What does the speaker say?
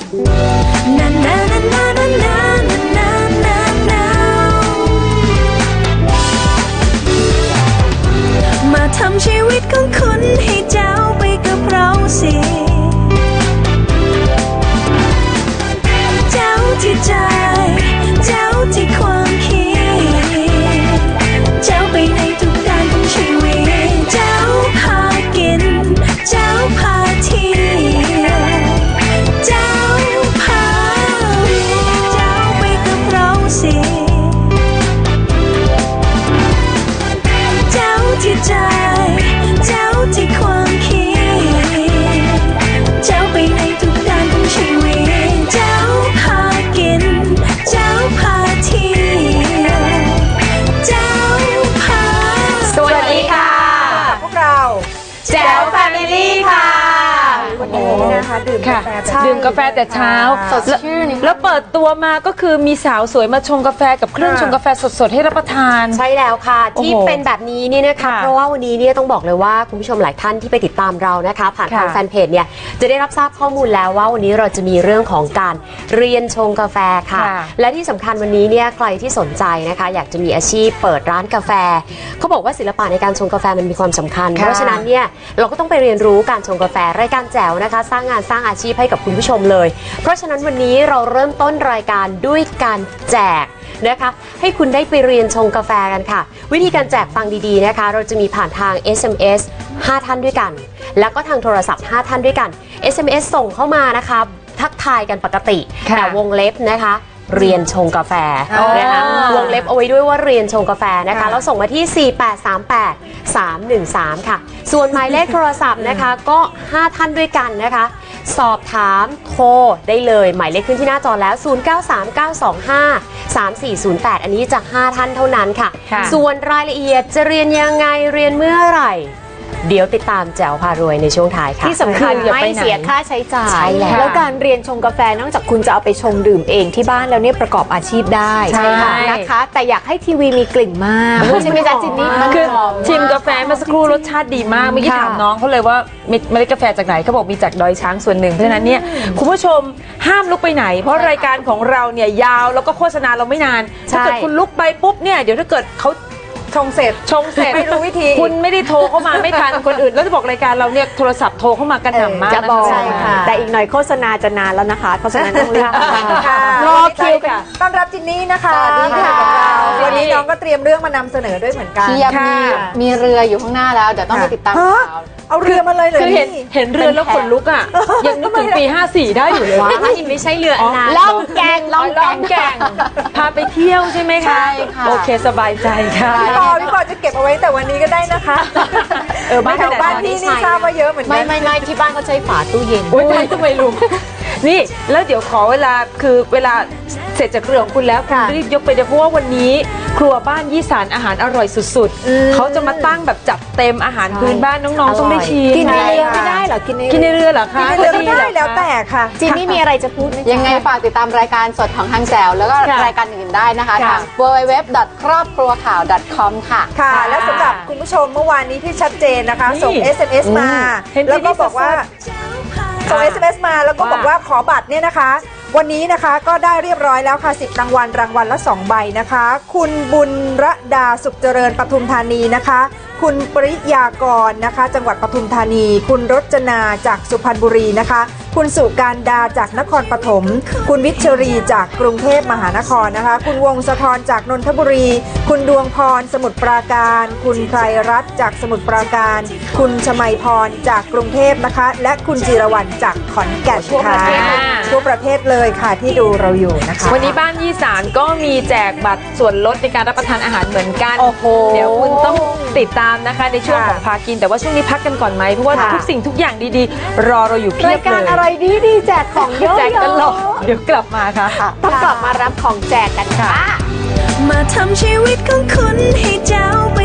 มาทำชีวิตของคุณให้เจ้าไปกับเราสิเจ้าที่ใจเจ้าที่ความคิดเจ้าไปในทุกด้านของชีวิตเจ้าพากินเจ้าพาเที่ยวเจ้าพาเจ้าไปกับเราสิเจ้าที่ใจเจ้าที่ความคิดเจ้าไปในทุกด้านของชีวิตเจ้าพากินเจ้าพาเที่ยวเจ้าพาสวัสดีค่ะพวกเราแจ๋วแฟมิลี่ค่ะวันนี้นะคะดื่มกาแฟแต่เช้าสดชื่นแล้วเปิดตัวมาก็คือมีสาวสวยมาชงกาแฟกับเครื่องชงกาแฟสดๆให้รับประทานใช่แล้วค่ะที่เป็นแบบนี้นี่นะคะเพราะว่าวันนี้เนี่ยต้องบอกเลยว่าคุณผู้ชมหลายท่านที่ไปติดตามเรานะคะผ่านทางแฟนเพจเนี่ยจะได้รับทราบข้อมูลแล้วว่าวันนี้เราจะมีเรื่องของการเรียนชงกาแฟค่ะและที่สำคัญวันนี้เนี่ยใครที่สนใจนะคะอยากจะมีอาชีพเปิดร้านกาแฟเขาบอกว่าศิลปะในการชงกาแฟมันมีความสำคัญเพราะฉะนั้นเนี่ยเราก็ต้องไปเรียนรู้การชงกาแฟรายการแจ๋วนะคะสร้างงานสร้างอาชีพให้กับคุณผู้ชมเลยเพราะฉะนั้นวันนี้เราเริ่มต้นรายการด้วยการแจกนะคะให้คุณได้ไปเรียนชงกาแฟกันค่ะวิธีการแจกฟังดีๆนะคะเราจะมีผ่านทาง SMS 5 ท่านด้วยกันแล้วก็ทางโทรศัพท์5ท่านด้วยกัน SMS ส่งเข้ามานะคะทักทายกันปกติแต่วงเล็บนะคะเรียนชงกาแฟนะคะวงเล็บเอาไว้ด้วยว่าเรียนชงกาแฟนะคะแล้วส่งมาที่ 4838313 ค่ะส่วนหมายเลขโทรศัพท์นะคะก็5ท่านด้วยกันนะคะสอบถามโทรได้เลยหมายเลขขึ้นที่หน้าจอแล้ว 0939253408 อันนี้จะ5ท่านเท่านั้นค่ะส่วนรายละเอียดจะเรียนยังไงเรียนเมื่อไหร่เดี๋ยวติดตามแจ๋วพารวยในช่วงท้ายค่ะที่สำคัญไม่เสียค่าใช้จ่ายแล้วการเรียนชงกาแฟนอกจากคุณจะเอาไปชงดื่มเองที่บ้านแล้วเนี่ยประกอบอาชีพได้ใช่ค่ะนะคะแต่อยากให้ทีวีมีกลิ่นมากใช่ไหมจ๊ะจินนี่คือชิมกาแฟเมื่อสักครู่รสชาติดีมากเมื่อกี้ถามน้องเขาเลยว่าเมล็ดกาแฟจากไหนเขาบอกมีจากดอยช้างส่วนหนึ่งเพราะฉะนั้นเนี่ยคุณผู้ชมห้ามลุกไปไหนเพราะรายการของเราเนี่ยยาวแล้วก็โฆษณาเราไม่นานถ้าเกิดคุณลุกไปปุ๊บเนี่ยเดี๋ยวถ้าเกิดเขาชงเสร็จไม่รู้วิธีคุณไม่ได้โทรเข้ามาไม่ทันคนอื่นแล้วจะบอกรายการเราเนี่ยโทรศัพท์โทรเข้ามากันหน่ำมากใช่ค่ะแต่อีกหน่อยโฆษณาจะนานแล้วนะคะเพราะฉะนั้นต้องรีบรอคิวค่ะต้อนรับจินนี่นะคะสวัสดีค่ะวันนี้น้องก็เตรียมเรื่องมานำเสนอด้วยเหมือนกันมีเรืออยู่ข้างหน้าแล้วเดี๋ยวต้องไปติดตามข่าวเอาเรือมาเลยคือเห็นเรือแล้วขนลุกอ่ะยังนึกถึงปี54ได้อยู่เลยไม่ใช่เรือนะล่องแก่งพาไปเที่ยวใช่ไหมคะใช่ค่ะโอเคสบายใจค่ะพี่ปอจะเก็บเอาไว้แต่วันนี้ก็ได้นะคะบ้านที่นี่ทราบว่าเยอะเหมือนกันไม่ที่บ้านเขาใช้ฝาตู้เย็นอุ้ยทำไมรู้นี่แล้วเดี๋ยวขอเวลาคือเวลาเสร็จจากเรื่องของคุณแล้วคุณรีบยกไปเดี๋ยวเพราะว่าวันนี้ครัวบ้านยี่สานอาหารอร่อยสุดๆเขาจะมาตั้งแบบจัดเต็มอาหารพื้นบ้านน้องๆต้องได้ชิมกินในเรือไม่ได้เหรอกินในเรือเหรอคะกินในเรือไม่ได้แล้วแต่ค่ะจินนี่มีอะไรจะพูดยังไงฝากติดตามรายการสดของทางแจ๋วแล้วก็รายการอื่นได้นะคะทาง www.crobcruwkhaw.com ค่ะและสำหรับคุณผู้ชมเมื่อวานนี้ที่ชัดเจนนะคะส่ง SMS มาแล้วก็บอกว่าส่ง SMS มาแล้วก็บอกว่าขอบัตรเนี่ยนะคะวันนี้นะคะก็ได้เรียบร้อยแล้วค่ะ10รางวัลละ2ใบนะคะคุณบุญระดาสุขเจริญปทุมธานีนะคะคุณปริยากรนะคะจังหวัดปทุมธานีคุณรจนาจากสุพรรณบุรีนะคะคุณสุการดาจากนครปฐมคุณวิชรีจากกรุงเทพมหานครนะคะคุณวงศธรจากนนทบุรีคุณดวงพรสมุทรปราการคุณไพรรัตน์จากสมุทรปราการคุณชมัยพรจากกรุงเทพนะคะและคุณจิรวรรณจากขอนแก่นค่ะทั่วประเทศเลยค่ะที่ดูเราอยู่นะคะวันนี้บ้านยี่สานก็มีแจกบัตรส่วนลดในการรับประทานอาหารเหมือนกันเดี๋ยวคุณต้องติดตามนะคะในช่วงของพากินแต่ว่าช่วงนี้พักกันก่อนไหมเพราะว่าทุกสิ่งทุกอย่างดีๆรอเราอยู่เพียบเลยรายการอะไรดีแจกของเยอะแจกตลอดเดี๋ยวกลับมาค่ะต้องกลับมารับของแจกกันค่ะมาทำชีวิตของคุณให้เจ้า